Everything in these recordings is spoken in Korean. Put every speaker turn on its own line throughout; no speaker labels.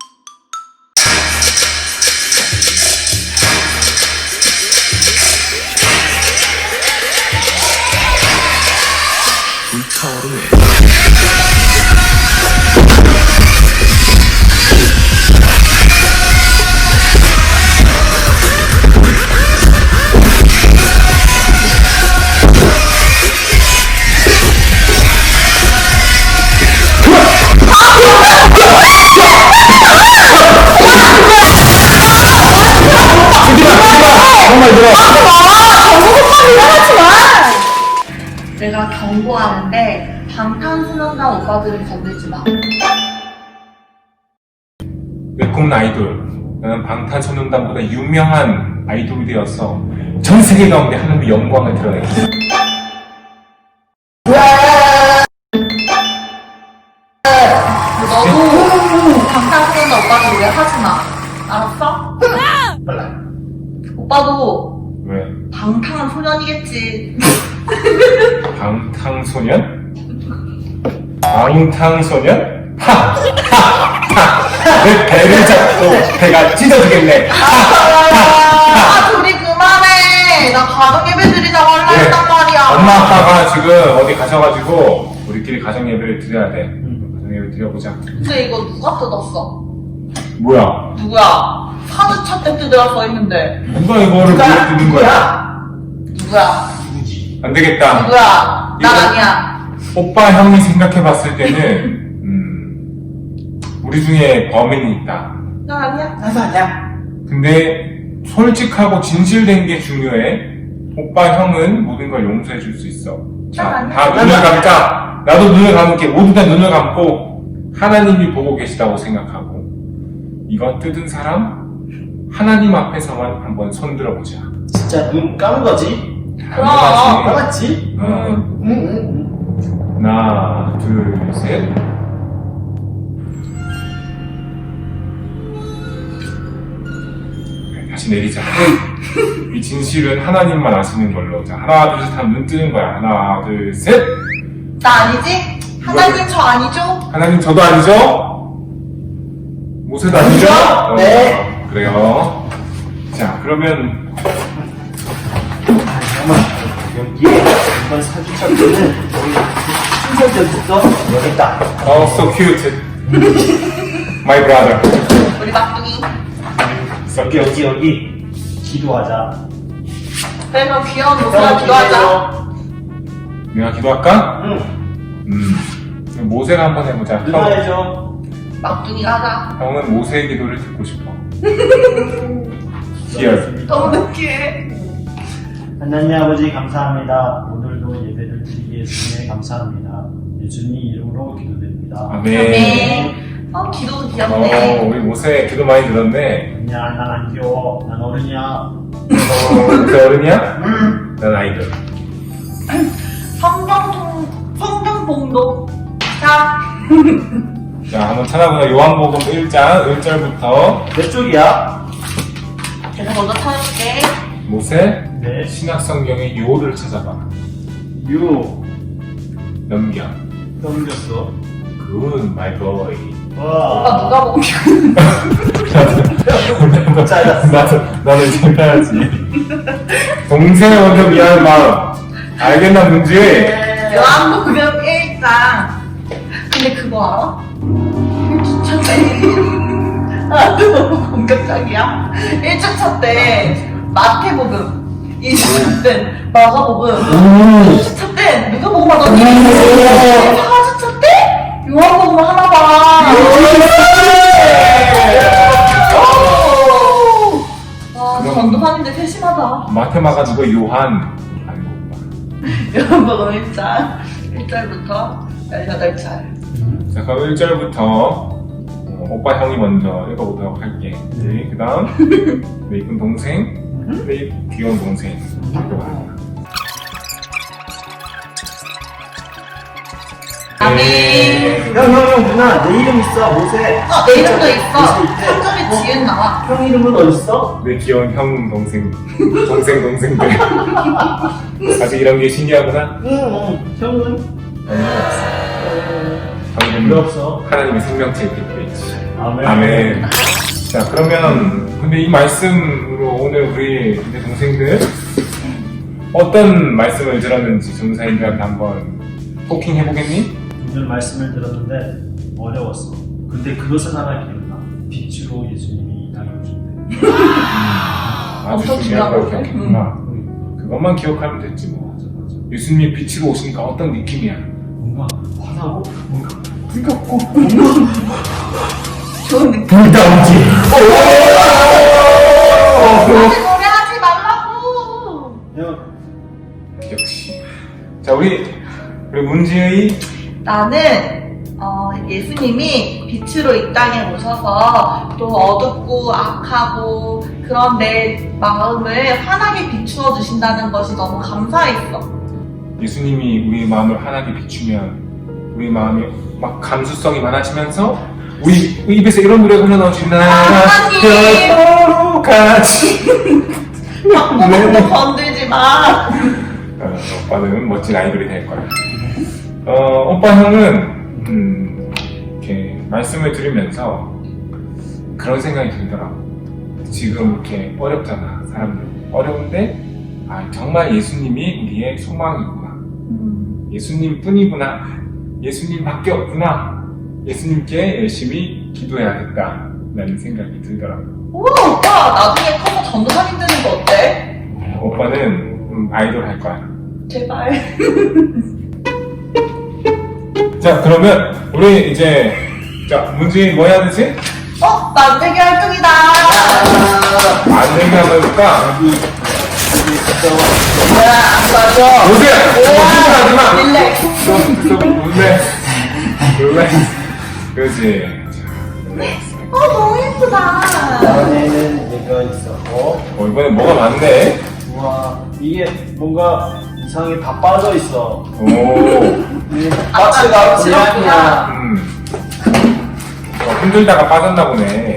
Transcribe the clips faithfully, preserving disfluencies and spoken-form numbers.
정말 들어.
내가 경고하는데 방탄소년단 오빠들은 건들지 마.
웰컴 아이돌. 나는 방탄소년단보다 유명한 아이돌이 되어서 전 세계 가운데 하나님의 영광을 드러내겠어.
너도 방탄소년단 오빠들 왜 하지 마. 알았어?
빨라.
오빠도
왜?
방탄소년이겠지.
방탄소년? 방탄소년? 하! 하! 하! 내 배를 잡고 배가 찢어지겠네.
아, 둘이 그만해. 나 가정예배 드리자고 하려
그래.
했단 말이야.
엄마 아빠가 지금 어디 가셔가지고 우리끼리 가정예배를 드려야 돼. 가정예배 드려보자.
근데 이거 누가 뜯었어?
뭐야?
누구야? 사주차 때 뜯으라 써있는데.
누가 이거를 왜 드는 거야?
누구야?
안 되겠다.
누구야? 난
이거-
아니야.
오빠 형이 생각해봤을 때는 음, 우리 중에 범인이 있다.
난 아니야.
나도 아니야.
근데 솔직하고 진실된 게 중요해. 오빠 형은 모든 걸 용서해 줄 수 있어. 자,
난
다
아니야.
눈을 감자. 나도 눈을 감을게. 모두 다 눈을 감고 하나님이 보고 계시다고 생각하고 이거 뜯은 사람 하나님 앞에서만 한번 손 들어보자.
진짜 눈 감은 거지?
당연하지.
감았지?
어.
응, 응, 응.
하나, 둘, 셋. 다시 내리자. 이 진실은 하나님만 아시는 걸로. 자, 하나, 둘, 셋 하면 눈 뜨는 거야. 하나, 둘, 셋.
나 아니지? 하나님 저 아니죠?
하나님 저도 아니죠? 모세도 아니죠? 어,
네.
그래요. 자, 그러면
잠깐만 여기에 이번 사주차 때는 순서대부터 여기 있다.
oh, so cute. My brother.
우리 막둥이.
So
여기
cute.
여기 여기 기도하자.
그래 그럼 귀여운 모세가 기도하자.
내가 기도할까?
응.
음. 그럼 모세가 한번 해보자. 형,
기도해줘.
막둥이가 하자.
형은 모세의 기도를 듣고 싶어. Here.
너무 느끼해.
하나님 아버지 감사합니다. 오늘도 예배를 드리게 해주시네 감사합니다. 예수님 이름으로 기도드립니다.
아멘.
네. 어 기도도
어,
귀엽네.
우리 모세 기도 많이 들었네.
아니야 난 안 귀여워. 난 어른이야.
어, 모세 어른이야? 난 아이들.
성경 성경 봉독. 자.
자, 한번 찾아보자. 요한복음 일 장 일 절부터
몇 쪽이야?
제가 먼저 찾아볼게.
모세
네.
신약성경의 요를 찾아봐.
유.
넘겨.
넘겼어.
굿, 마이 보이.
오빠
와.
누가 보면
잘랐어.
나도, 나도 이제 해야지. 동생을 먼저 미안한 마음. 알겠나, 문지?
요한복음 일 장. 근데 그거 알아? 일 주차 때. 아, 너무 공격적이야. 일 주차 때 마태복음, 이 주차 때 마가복음, 이 주차 때 누가 복음 하더니 사 주차 때 요한복음 하나 봐. 와, 전도사님들 세심하다.
마테마가 누구 요한. 아이고.
요한복음 일 장 일 절부터 열여덟 절.
자, 그럼 일 절부터 어, 오빠 형이 먼저 읽어보도록 할게. 네, 그 다음 내 이쁜 동생, 내 귀여운 동생 읽어봐.
아멘.
형, 형, 형, 누나, 내 이름 있어, 모세.
어, 내 이름도 있어.
모세 있대.
삼 절에 지은 나와.
형 이름은 어딨어?
내 귀여운 형, 동생, 동생, 동생들. 아직 이런 게 신기하구나.
응, 응. 형은?
형은
필요 없어.
하나님의 생명체에 깃들어 있지.
아멘.
아멘. 자, 그러면 근데 이 말씀으로 오늘 우리 이제 동생들 어떤 말씀을 들었는지 전사님들한테 한번 토킹 해보겠니?
오늘 말씀을 들었는데 어려웠어. 근데 그것은 하나 기억나. 빛으로 예수님이 이 땅에 오셨대.
아주
엄청
중요한 걸
중요한
기억했구나. 그것만 기억하면 됐지 뭐.
맞아, 맞아.
예수님이 빛으로 오시니까 어떤 느낌이야?
뭔가 화나고 뭔가
뜨겁고
좋은 느낌.
불다운지.
다시 노래하지 말라고.
형,
역시. 자, 우리 우리 문지의
나는 어, 예수님이 빛으로 이 땅에 오셔서 또 어둡고 악하고 그런 내 마음을 환하게 비추어 주신다는 것이 너무 감사했어.
예수님이 우리 마음을 환하게 비추면 우리 마음이 막 감수성이 많아지면서 우리 입에서 이런 노래가 흘러나오지.
하나님!
나로 같이.
방구멍도 건들지 마.
어, 오빠는 멋진 아이돌이 될 거야. 어, 오빠 형은 음, 이렇게 말씀을 들으면서 그런 생각이 들더라고. 지금 이렇게 어렵잖아, 사람들. 어려운데 아, 정말 예수님이 우리의 소망이구나. 예수님뿐이구나. 예수님밖에 없구나. 예수님께 열심히 기도해야겠다 라는 생각이 들더라고.
우와, 오빠 나중에 커서 전도사님 되는 거 어때?
오빠는 음, 아이돌 할 거야.
제발.
자, 그러면 우리 이제 자, 문지 뭐 해야 되지?
어? 만들기 활동이다.
만들기 한번 해볼까?
안 맞아.
보세요! 거짓말 하지 마!
릴렉스.
놀래. 놀래. 그렇지. 자, 릴렉스.
어, 너무 예쁘다.
안에는 얘가 있었고,
어, 이번에 뭐가 많네?
우와, 이게 뭔가 이상하게 다 빠져 있어.
오.
박스가
지럽구나.
고양이야.
음. 어, 힘들다가 빠졌나 보네.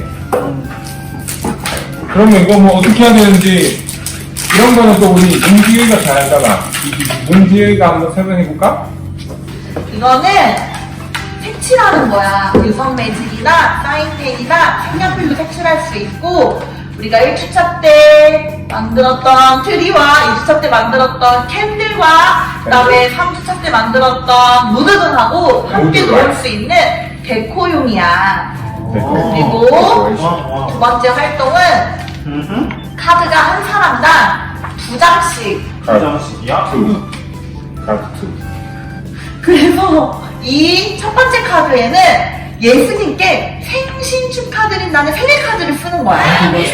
그러면 이거 뭐 어떻게 해야 되는지, 이런 거는 또 우리 문지의가 잘 알잖아. 문지의가 한번 설명해 볼까?
이거는 색칠하는 거야. 유성 매직이나 사인펜이나 색연필로 색칠할 수 있고, 우리가 일 주차 때 만들었던 트리와 이 주차 때 만들었던 캔들과 그다음에 삼 주차 때 만들었던 무드등하고 함께
무드등.
놓을 수 있는 데코용이야.
데코.
그리고
어,
두
어.
번째 활동은
음흠.
카드가 한 사람당 두 장씩.
화장실이야?
투. 카드 투.
그래서 이 첫 번째 카드에는 예수님께 생신 축하드린다는 생일 카드를 쓰는 거야.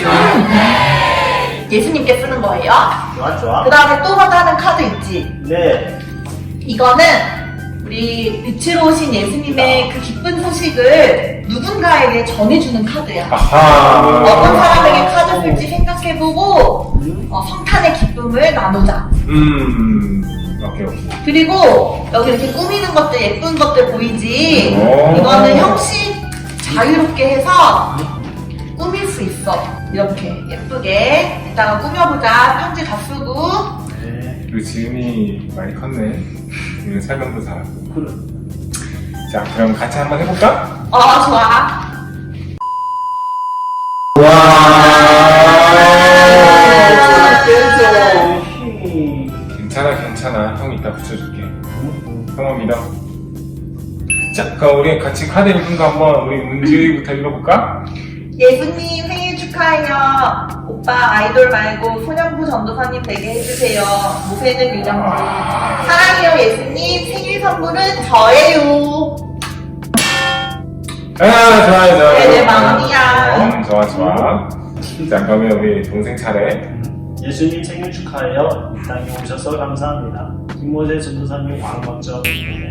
음. 예수님께 쓰는 거예요.
좋아, 좋아.
그 다음에 또 하나 카드 있지.
네.
이거는 우리 빛으로 오신 예수님의 그 기쁜 소식을 누군가에게 전해주는 카드야.
아하.
어떤 사람에게 카드 쓸지 생각해보고 어, 성탄의 기쁨을 나누자.
음. 오케이, 오케이.
그리고 여기 이렇게 꾸미는 것들, 예쁜 것들 보이지?
오.
이거는 형식 자유롭게 해서 꾸밀 수 있어. 이렇게 예쁘게 이따가 꾸며보자. 편지 다 쓰고.
네.
그리고 지은이 많이 컸네. 지금 설명도 잘하고.
그래.
자, 그럼 같이 한번 해볼까?
어, 좋아.
깨져.
괜찮아, 괜찮아. 형 이따 붙여줄게. 형은 믿어. 자, 그럼 우리 같이 카드 읽은 거 한번 우리 문지부터 읽어볼까?
예수님 생일 축하해요. 오빠 아이돌 말고 소년부 전도사님 되게 해주세요. 무쇠는 유정부. 사랑해요 예수님. 생일 선물은 저예요.
아, 좋아요, 좋아요.
네, 내 마음이야.
어, 좋아, 좋아. 자, 그러면 우리 동생 차례.
예수님 생일 축하해요. 이 땅에 오셔서 감사합니다. 김모세 전도사님 왕먼저.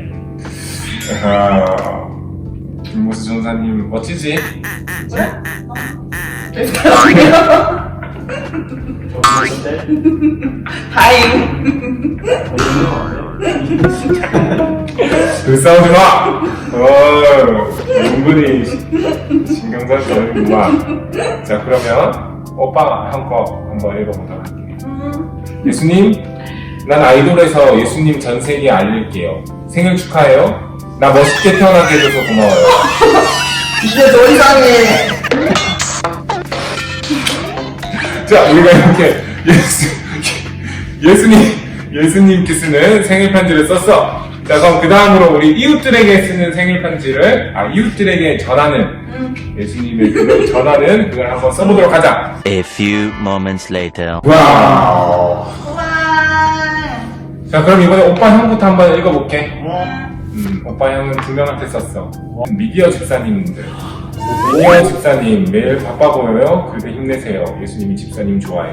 아, 김모수 전사님 멋지지?
오셨을
다행.
그 싸우지 마! 어, 은근히 신경 써서 어는구만. 자, 그러면 오빠가 한 거 한번 읽어보도록 할게요.
음,
예수님, 난 아이돌에서 예수님 전 세계에 알릴게요. 생일 축하해요. 나 멋있게 태어나게 해줘서 고마워요.
이제 더 이상해.
자, 우리가 이렇게 예수, 예수님, 예수님께 쓰는 생일 편지를 썼어. 자, 그럼 그 다음으로 우리 이웃들에게 쓰는 생일 편지를, 아, 이웃들에게 전하는,
음.
예수님의 그걸 전하는 그걸 한번 써보도록 하자.
A few moments later.
와우.
우와.
자, 그럼 이번에 오빠 형부터 한번 읽어볼게.
음.
음, 오빠 형은 두 명한테 썼어. 미디어 집사님들. 미디어 집사님, 매일 바빠 보여요. 그래도 힘내세요. 예수님이 집사님 좋아해요.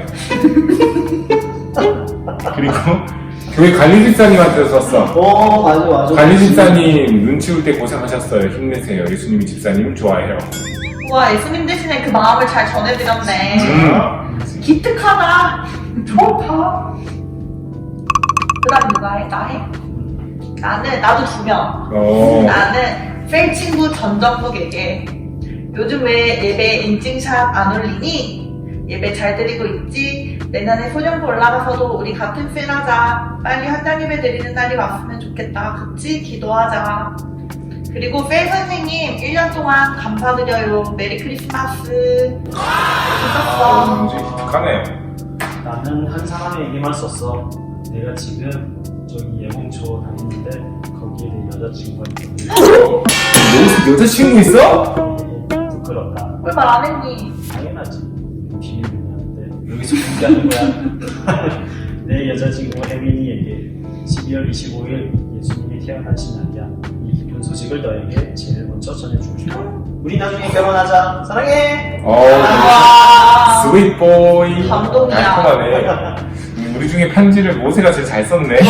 그리고 교회 관리 집사님한테 썼어.
어, 맞아, 맞아.
관리 집사님 눈 치울 때 고생하셨어요. 힘내세요. 예수님이 집사님 좋아해요.
우와, 예수님 대신에 그 마음을 잘 전해드렸네.
음.
기특하다. 좋다. 그 다음 누가 해? 나 해? 나는, 나도 두 명.
어.
나는 셀 친구 전정국에게 요즘 왜 예배 인증샷 안 올리니? 예배 잘 드리고 있지? 내년에 소년부 올라가서도 우리 같은 셀 하자. 빨리 한장 예배 드리는 날이 왔으면 좋겠다. 그치? 기도하자. 그리고 셀 선생님 일 년 동안 감사드려요. 메리 크리스마스.
아,
좋았어.
문제 기특하네.
나는 한 사람에게만 썼어. 내가 지금 저기 예봉초 다니는데 거기에 내 여자친구가 있거든.
너 여자친구 있어?
부끄럽다.
왜 말 안 했니?
당연하지. 비밀이었는데 여기서 공개하는 거야. 내 여자친구 혜민이에게 십이월 이십오일 예수님이 태어나신 날이야. 이 기쁜 소식을 너에게 제일 먼저 전해주고 싶어.
우리 나중에 결혼하자. 사랑해.
어,
와.
스윗 보이.
감동이야.
달콤하네. 우리 중에 편지를 모세가 제일 잘 썼네.
그러게.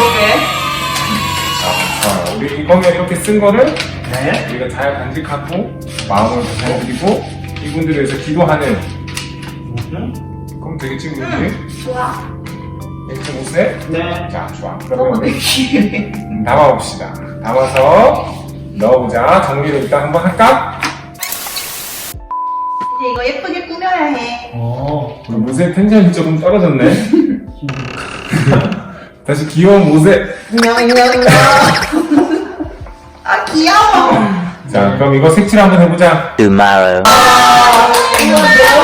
자, 자, 우리 이번에 이렇게 쓴 거를
네.
우리가 잘 간직하고 마음을 잘 드리고 이분들을 위해서 기도하는.
음.
그럼 되겠지, 우리?
좋아.
이렇게 모세?
네.
자, 좋아.
너무
그러면 우리
느끼해.
담아봅시다. 담아서 넣어보자. 정리를 일단 한번 할까?
이제 이거 예쁘게 꾸며야 해.
어.
우리 모세 텐션이 조금 떨어졌네. 다시 귀여운 모세.
귀여워.
자, 그럼 이거 색칠 한번 해보자.
Tomorrow.
이거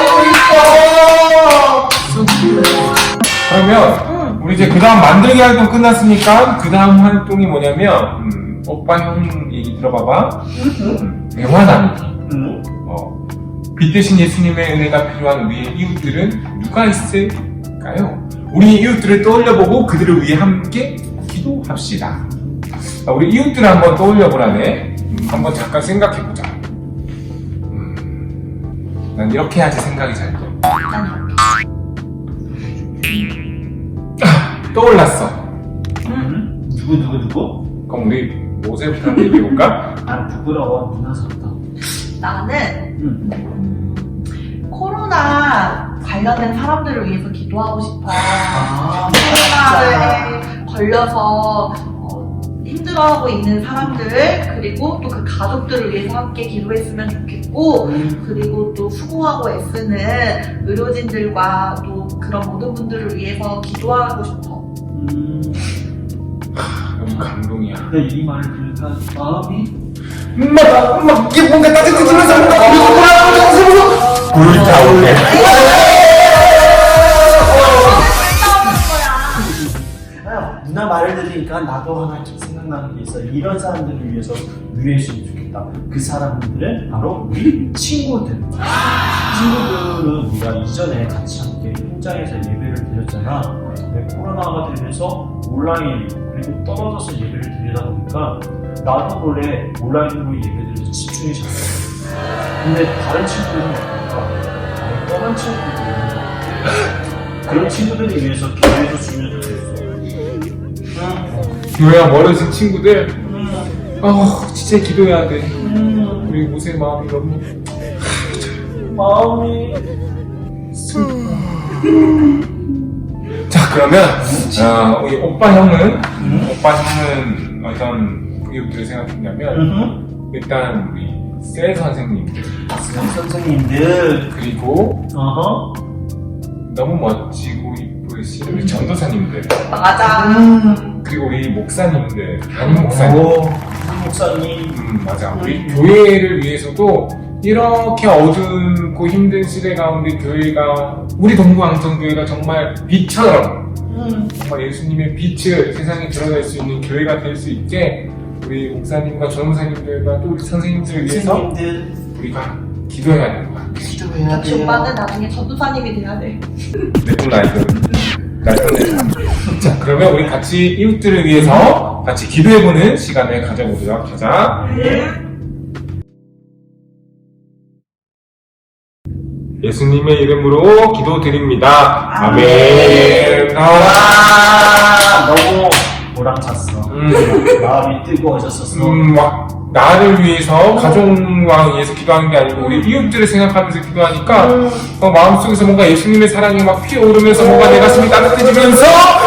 너무 있어.
그러면 우리 이제 그 다음 만들기 활동 끝났으니까 그 다음 활동이 뭐냐면 음, 오빠 형 얘기 들어봐봐. 음, 대화 나누기.
응?
어, 빛 대신 예수님의 은혜가 필요한 우리의 이웃들은 누가 있을까요? 우리 이웃들을 떠올려보고 그들을 위해 함께 기도합시다. 아, 우리 이웃들을 한번 떠올려보라네. 음, 한번 잠깐 생각해보자. 음, 난 이렇게 해야지 생각이 잘 돼. 떠올랐어.
응? 누구 누구 누구?
그럼 우리 모세부터 한번 얘기해볼까?
난 부끄러워. 누나 같다.
나는
응.
음, 코로나 관련된 사람들을 위해서 기도하고 싶어.
아,
코로나에 걸려서 어, 힘들어하고 있는 사람들, 그리고 또 그 가족들을 위해서 함께 기도했으면 좋겠고,
음.
그리고 또 수고하고 애쓰는 의료진들과 또 그런 모든 분들을 위해서 기도하고 싶어.
음.
너무 감동이야.
근데 이 말을 들으니까 마음이
막, 막, 이게 뭔가 따뜻해지면서 뭔가 불타오르네.
아, 누나 말을 들으니까 나도 하나 좀 생각나는 게 있어. 이런 사람들을 위해서 위해했으면 좋겠다. 그 사람들은 바로 우리 친구들. 친구들은 우리가 이전에 같이 함께 현장에서 예배를 드렸잖아. 근데 코로나가 되면서 온라인 그리고 떨어져서 예배를 드리다 보니까 나도 원래 온라인으로 예배드려서 집중이 잘 돼. 근데 다른 친구들은 어떨까? 아예 떠난 친구들이 있는 거야. 그런 친구들을 위해서 기도해서 주면 좋겠어.
교회와 멀어진 친구들, 어, 진짜 기도해야 돼. 우리 모세 마음이 너무.
마음이
자, 그러면, 어, 우리 오빠 형은, 오빠 형은 어떤 이웃들을 생각했냐면, 일단 우리 셀 선생님들,
선생님들
그리고
어허
너무 멋지고 이쁘신 우리 전도사님들,
맞아.
그리고 우리 목사님들, 담임 목사님.
오, 목사님
음, 맞아. 우리 교회를 위해서도 이렇게 어둡고 힘든 시대 가운데 교회가, 우리 동부왕정교회가 정말 빛처럼, 정말 예수님의 빛을 세상에 드러낼 수 있는 교회가 될 수 있게 우리 목사님과 전무사님들과 또 우리 선생님들을 위해서
선생님들
우리가 기도해야 되는 거야.
기도해야
역시 오빠는 나중에 전도사님이 돼야 돼.
내꿈 나이든 날편내자. 자, 그러면 우리 같이 이웃들을 위해서 같이 기도해보는 시간을 가져보도록 하자. 예수님의 이름으로 기도드립니다. 아멘. 아,
아 너무 보람찼어.
음,
마음이 뜨거워졌었어.
음, 막 나를 위해서 가족과 위해서 기도하는 게 아니고 우리 이웃들을 생각하면서 기도하니까 어, 마음속에서 뭔가 예수님의 사랑이 막 피어오르면서 뭔가 내 가슴이 따뜻해지면서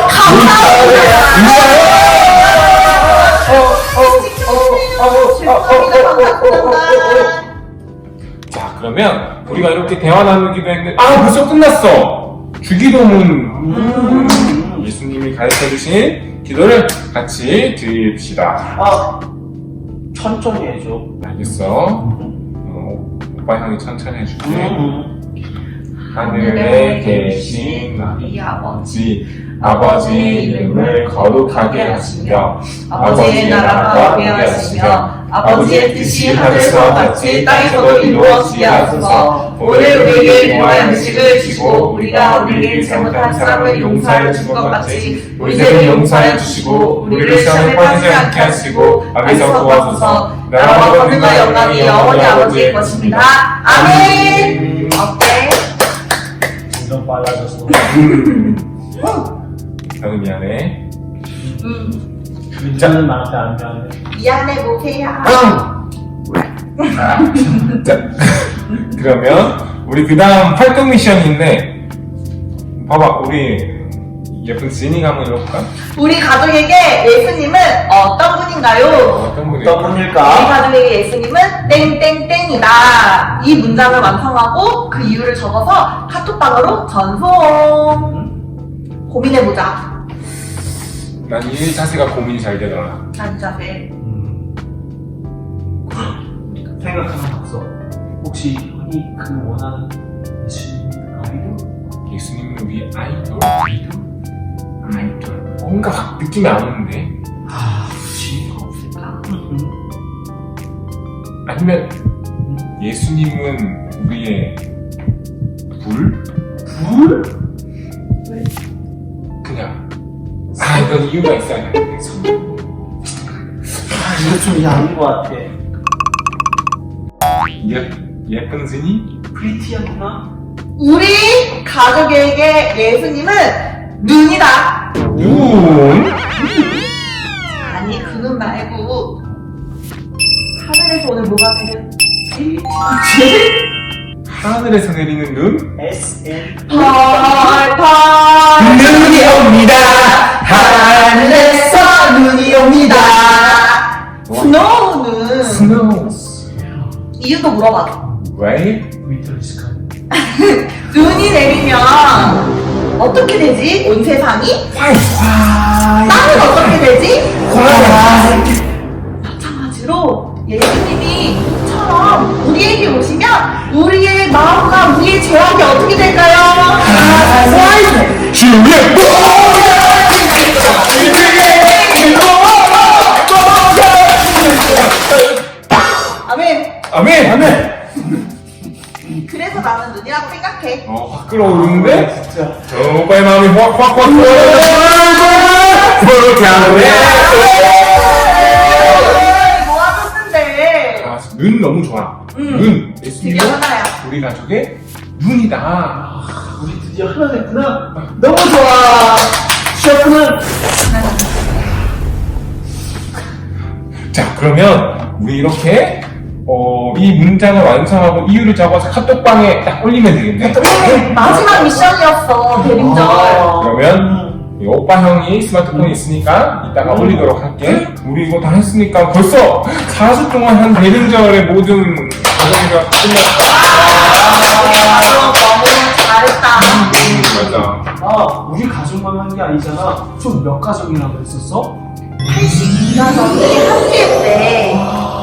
자, 그러면 우리가 이렇게 대화 나누기도 했는데 아, 벌써 끝났어. 주기도문.
음.
예수님이 가르쳐주신 기도를 같이 드립시다.
아 천천히 해줘.
알겠어. 어, 오빠 형이 천천히 해줄게.
음.
하늘에 계신
우리 아버지,
아버지, 아버지의 이름을 거룩하게 하시며
아버지의 나라가 오게 하시며 아버지의 뜻이 하늘과 같이 땅에서도 이루어지게 하소서. 오늘 우리에게 필요한 음식을 주시고 우리가 우리에게 잘못한 사람을 용서하여 준 것 같이 우리 죄를 용서하여 주시고 우리를 시험에 빠지지 않게 하시고 악에서 구하소서. 나라와 권능과 영광이 영원히 아버지의 것입니다. 아멘. 어때?
점점 빨라졌어.
나는 미안해.
음,
민자는 나한테 안 미안해.
미안해 보세요.
자, 그러면 우리 그 다음 활동 미션인데 봐봐, 우리 예쁜 지니가 한번 읽어볼까?
우리 가족에게 예수님은 어떤 분인가요?
어떤 분이?
어떤
우리
분일까?
가족에게 예수님은 땡땡땡이다. 이 문장을 완성하고 그 이유를 적어서 카톡방으로 전송. 고민해보자.
난 이 자세가 고민이 잘 되더라.
난 자세.
음. 생각하는 앞서 혹시 형이 그 원하는 예수님 아이돌?
예수님은 우리 아이돌? 아이돌? 아이돌. 뭔가 느낌이 안 오는데.
아, 그렇지.
없을까?
아니면 예수님은 우리의 불?
불?
왜?
그냥. 아, 이건 이유가 있어야 돼.
아, 이거 좀 야한 것 같아.
예, 예쁜 스님?
프리티한 누나?
우리 가족에게 예수님은 눈이다.
눈?
아니 그 눈 말고 하늘에서 오늘 뭐가 내렸지?
하늘에서 내리는 눈?
에스 엔
펄펄
눈이 옵니다.
하늘에서 눈이 옵니다. 스노우는
스노우.
이유도 물어봐.
왜?
위터리스카.
눈이 내리면 어떻게 되지? 온 세상이?
화이
땅은 어떻게 되지?
화이
마찬가지로 예수님이 처럼 우리에게 오시면 우리의 마음과 우리의 죄악이 어떻게 될까요? 화이
주님
아멘.
아멘! 아멘!
그래서 나는 눈이라고 생각해.
어, 확 끌어오르는데?
진짜.
저 오빠의 마음이 확, 확, 확,
모아줬는데
아, 눈 너무 좋아.
음.
눈.
드디어
예수님은
하나야.
우리 가족의 눈이다.
우리 드디어 하나 됐구나. 너무 좋아. 셰프는
자, 그러면 우리 이렇게 어, 이 문장을 완성하고 이유를 적어서 카톡방에 딱 올리면 되겠네.
네, 마지막 미션이었어 대림절.
아.
그러면 이 오빠 형이 스마트폰이 있으니까 이따가 올리도록 할게. 우리 이거 다 했으니까 벌써 사 주 동안 한 대림절의 모든 과정이가 끝났다.
아, 너무 잘했다.
음, 맞아.
아, 우리 가족만 한 게 아니잖아. 총 몇 가족이라고 했었어?
팔십이 가족이 함께했대.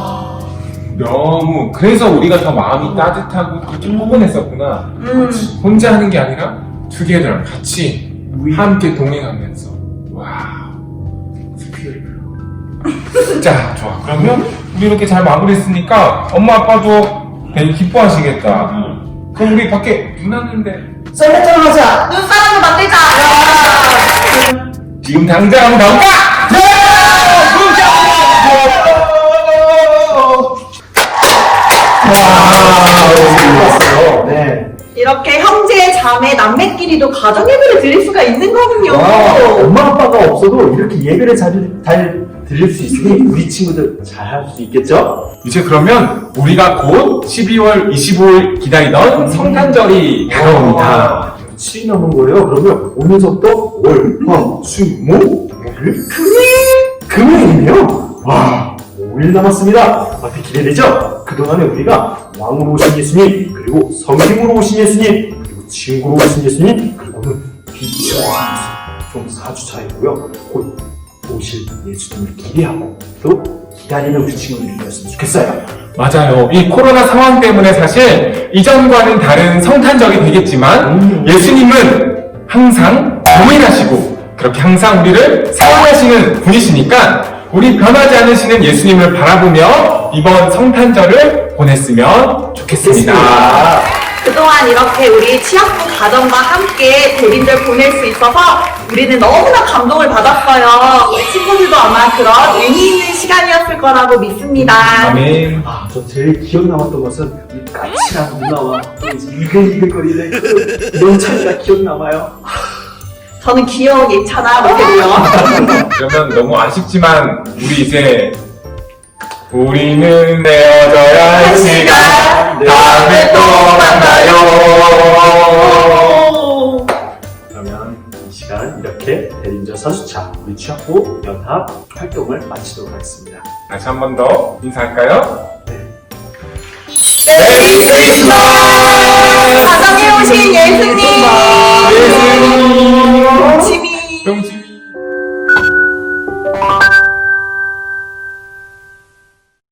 너무 그래서 우리가 더 마음이 따뜻하고 좀 포근했었구나.
음.
혼자 하는 게 아니라 투게더 같이
우리
함께 동행하면서. 와우. 스피릿. 자, 좋아. 그러면 우리 이렇게 잘 마무리했으니까 엄마 아빠도 되게 기뻐하시겠다. 그럼 우리 밖에 눈 왔는데
썰매장 하자.
눈사람을 만들자.
지금 당장 한번 가볼까?
좋았어요. 네.
이렇게 형제, 자매, 남매끼리도 가정 예배를 드릴 수가 있는 거군요.
와, 엄마 아빠가 없어도 이렇게 예배를 잘, 잘 드릴 수 있으니 우리 친구들 잘 할 수 있겠죠?
이제 그러면 우리가 곧 십이월 이십오일 기다리던 성탄절이 다가옵니다.
며칠이 남은 거예요. 그러면 오늘부터 월, 화, 수, 목, 일, 금요일! 금요일이네요. 와, 오 일 남았습니다. 어떻게 기대되죠? 그동안에 우리가 왕으로 오신 예수님, 그리고 성심으로 오신 예수님, 그리고 친구로 오신 예수님, 그리고는 빛으로 오신 예수님. 총 사 주 차이고요. 곧 오실 예수님을 기대하고 또 기다리는 우리 친구들이 되었으면 좋겠어요.
맞아요. 이 코로나 상황 때문에 사실 이전과는 다른 성탄절이 되겠지만
음.
예수님은 항상 동행하시고 그렇게 항상 우리를 사랑하시는 분이시니까 우리 변하지 않으시는 예수님을 바라보며 이번 성탄절을 보냈으면 좋겠습니다.
그동안 이렇게 우리 취학부 가정과 함께 대림절 보낼 수 있어서 우리는 너무나 감동을 받았어요. 우리 친구들도 아마 그런 의미 있는 시간이었을 거라고 믿습니다.
아멘.
아, 저 제일 기억 남았던 것은 이 까칠한 누나와 또 이제 이글이글거리는 그 명찬이가 기억 남아요.
저는 귀여운 예찬아 못해도요.
그러면 너무 아쉽지만 우리 이제 우리는 헤어져야 할 시간 다음에 또 만나요.
그러면 이 시간 이렇게 대림절 사 주차 우리 취학부 연합 활동을 마치도록 하겠습니다.
다시 한 번 더 인사할까요?
메리 크리스마스! 가정에 오신 예수님